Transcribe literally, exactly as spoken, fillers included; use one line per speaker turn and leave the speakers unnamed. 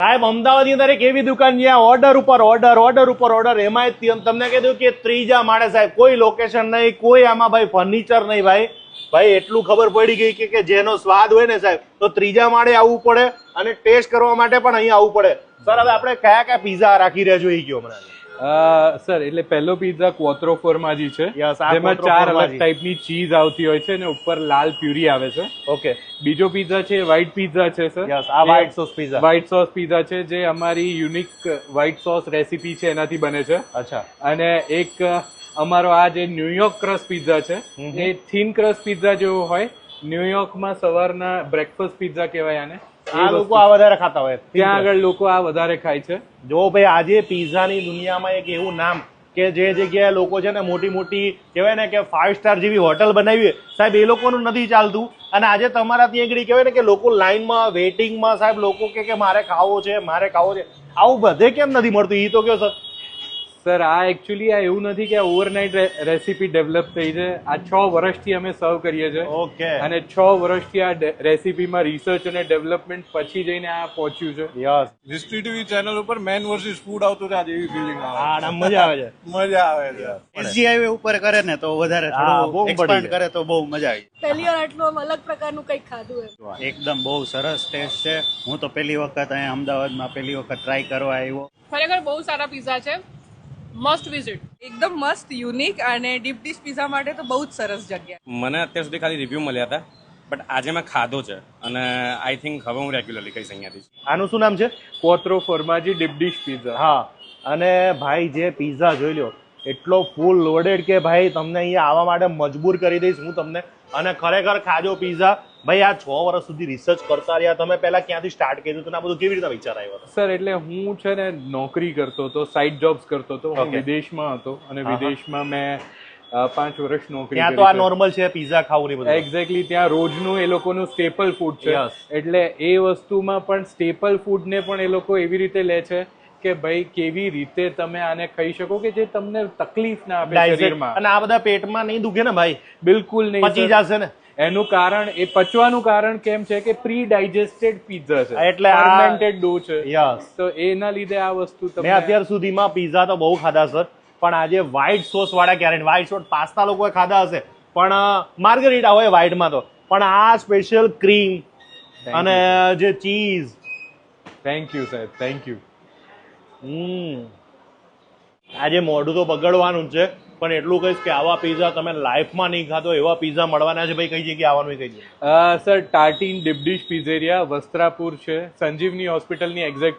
સાહેબ અમદાવાદની અંદર એક એવી દુકાન જ્યાં ઓર્ડર ઉપર ઓર્ડર ઓર્ડર ઉપર ઓર્ડર એમાં તમને કીધું કે ત્રીજા માળે સાહેબ કોઈ લોકેશન નહીં, કોઈ આમાં ભાઈ ફર્નિચર નહીં ભાઈ ભાઈ એટલું ખબર પડી ગઈ કે, કે જેનો સ્વાદ હોય ને સાહેબ તો ત્રીજા માળે આવવું પડે અને ટેસ્ટ કરવા માટે પણ અહીં આવવું પડે. સર હવે આપણે કયા કયા પીઝા રાખી રહ્યા છો એ કયો મને?
સર એટલે પહેલો પીઝા ક્વોત્રો ફોર્માજી છે, જેમાં ચાર અલગ ટાઈપની ચીઝ આવતી હોય છે અને ઉપર લાલ પ્યુરી આવે છે.
ઓકે.
બીજો પીઝા છે વ્હાઈટ પીઝા છે સર.
યસ, આ white sauce pizza.
White sauce pizza છે જે અમારી યુનિક વ્હાઈટ સોસ રેસીપી છે એનાથી બને છે.
અચ્છા.
અને એક અમારો આ જે ન્યુયોર્ક ક્રસ્ટ પીઝા છે એ થીન ક્રસ્ટ પીઝા જેવો હોય. ન્યુયોર્કમાં સવારના બ્રેકફાસ્ટ પીઝા કહેવાય આને.
આ લોકો આ વધારે ખાતા હોય,
ત્યાં આગળ લોકો આ વધારે ખાય છે.
જો ભાઈ આજે પીઝાની દુનિયામાં એક એવું નામ કે જે જગ્યાએ લોકો છે ને મોટી મોટી કહેવાય ને કે ફાઈવ સ્ટાર જેવી હોટલ બનાવી સાહેબ એ લોકોનું નથી ચાલતું. અને આજે તમારા ત્યાં આગળ કહેવાય ને કે લોકો લાઈનમાં વેઇટિંગમાં સાહેબ લોકો કે મારે ખાવો છે મારે ખાવો છે, આવું બધે કેમ નથી મળતું એ તો કયો સર?
સર આ એકચ્યુઅલી આ એવું નથી કે આ ઓવરનાઇટ રેસીપી ડેવલપ થઈ છે. આ છ વર્ષથી અમે સર્વ કરીએ છીએ.
ઓકે.
અને છ વર્ષથી આ રેસીપીમાં રિસર્ચ અને ડેવલપમેન્ટ પછી જઈને આ પહોંચ્યું છે.
યસ.
હિસ્ટ્રી ટીવી ચેનલ ઉપર મેન વર્સિસ ફૂડ આવતું છે, આજે એવી ફીલિંગ આવે.
હા, મજા આવે છે.
મજા આવે છે.
એસજી હાઈવે ઉપર કરે ને તો વધારે થોડું એક્સપાન્ડ કરે તો બહુ મજા આવી.
પહેલી વાર આટલું આમ અલગ પ્રકારનું કંઈક ખાધું એમ.
એકદમ બહુ સરસ ટેસ્ટ છે. હું તો પહેલી વખત અહીંયા અમદાવાદમાં પહેલી વખત ટ્રાય કરવા આવ્યો.
ખરેખર બહુ સારા પીઝા છે, મસ્ટ વિઝિટ.
એકદમ મસ્ત યુનિક અને ડીપ ડીશ પીઝા માટે તો બહુ જ સરસ જગ્યા.
મને અત્યાર સુધી ખાલી રિવ્યૂ મળ્યા હતા, બટ આજે મેં ખાધો છે અને આઈ થિંક હવે હું રેગ્યુલરલી કહીશ અહીંયાથી.
આનું શું નામ છે?
Quattro formaggi deep dish pizza.
હા. અને ભાઈ જે પીઝા જોઈ લો એટલો ફૂલ લોડેડ કે ભાઈ તમને અહીંયા આવવા માટે મજબૂર કરી દઈશ હું તમને. અને ખરેખર ખાજો પીઝા. ભાઈ આ છ વર્ષ સુધી રિસર્ચ કરતા રહ્યા તમે, પહેલા ક્યાંથી સ્ટાર્ટ કર્યું હતું આ બધું કેવી રીતે વિચાર આવ્યો?
સર એટલે હું છે ને નોકરી કરતો હતો, સાઇડ જોબ્સ કરતો હતો, હું વિદેશમાં હતો અને વિદેશમાં મેં પાંચ વર્ષ નોકરી
ત્યાં તો આ નોર્મલ છે પીઝા ખાવું ને બધું.
એક્ઝેક્ટલી ત્યાં રોજનું એ લોકોનું સ્ટેપલ ફૂડ છે. એટલે એ વસ્તુમાં પણ સ્ટેપલ ફૂડને પણ એ લોકો એવી રીતે લે છે કે ભાઈ કેવી રીતે તમે આને ખાઈ શકો કે જે તમને તકલીફ ના આપે શરીરમાં.
અને આ બધા પેટમાં નહીં દુખે ને ભાઈ?
બિલકુલ નહીં.
પચી જશે ને.
એનું કારણ એ પચવાનું કારણ કેમ છે કે પ્રી ડાયજેસ્ટેડ પીઝા છે,
એટલે
ફર્મેન્ટેડ ડો છે.
યસ.
તો એના લીધે આ વસ્તુ તમે.
મેં અત્યાર સુધીમાં પીઝા તો બહુ ખાધા સર, પણ આજે વ્હાઈટ સોસ વાળા ક્યારે વ્હાઈટ સોસ પાસ્તા લોકોએ ખાધા હશે પણ માર્ગરીટા હોય વ્હાઈટમાં તો, પણ આ સ્પેશિયલ ક્રીમ અને જે ચીઝ.
થેન્ક યુ સાહેબ, થેન્ક યુ.
હમ આજે મોઢું તો બગડવાનું જ છે પણ એટલું કહીશ કે આવા પીઝા તમે લાઈફમાં નહીં ખાધો એવા પીઝા મળવાના છે. ભાઈ કઈ જગ્યાએ આવવાનું કઈ જગ્યાએ?
Sir Tartine deep dish pizzeria Vastrapur છે, સંજીવની હોસ્પિટલની એક્ઝેક્ટ